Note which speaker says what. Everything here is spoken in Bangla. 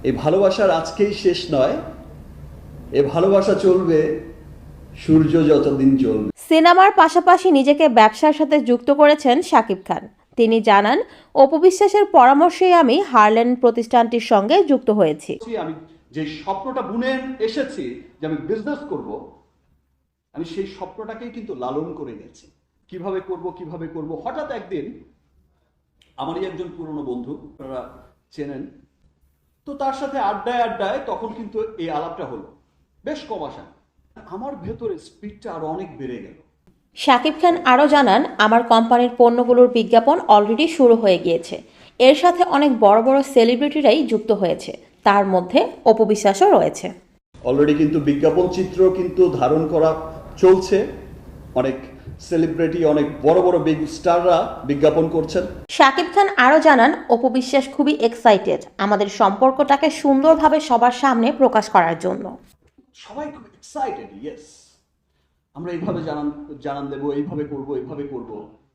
Speaker 1: এই ভালোবাসার আজকেই শেষ নয়, এ ভালোবাসা চলবে সূর্য যতদিন জ্বলবে।
Speaker 2: সিনেমার পাশাপাশি নিজেকে ব্যবসার সাথে যুক্ত করেছেন শাকিব খান। তিনি জানান, অপু বিশ্বাসের পরামর্শেই আমি হারল্যান্ড প্রতিষ্ঠানটির সঙ্গে যুক্ত হয়েছি।
Speaker 1: আমি যে স্বপ্নটা বুনে এসেছি যে আমি বিজনেস করব, আমি সেই স্বপ্নটাকেই কিন্তু লালন করে নিয়েছি। কিভাবে করব হঠাৎ একদিন আমারই একজন পুরনো বন্ধু, আপনারা চেনেন, তো তার সাথে আড্ডায় তখন কিন্তু এই আলাপটা হলো। বেশ কম আসা, আমার ভেতরে স্পিডটা আরো অনেক বেড়ে গেল।
Speaker 2: শাকিব খান আরও জানান, আমার কোম্পানির পণ্যগুলোর বিজ্ঞাপন অলরেডি শুরু হয়ে গিয়েছে। এর সাথে অনেক বড় বড় সেলিব্রিটিরাই যুক্ত হয়েছে, তার মধ্যে অপু বিশ্বাসও রয়েছে।
Speaker 1: অলরেডি কিন্তু বিজ্ঞাপন চিত্র কিন্তু ধারণ করা চলছে। অনেক সেলিব্রিটি, অনেক বড় বড় বিগ স্টাররা বিজ্ঞাপন করছেন।
Speaker 2: শাকিব খান আরও জানান, অপু বিশ্বাস খুবই এক্সাইটেড আমাদের সম্পর্কটাকে সুন্দরভাবে সবার সামনে প্রকাশ করার জন্য।
Speaker 1: সবাই খুব এক্সাইটেড, ইয়েস, আমরা এইভাবে জানান দেবো, এইভাবে করব।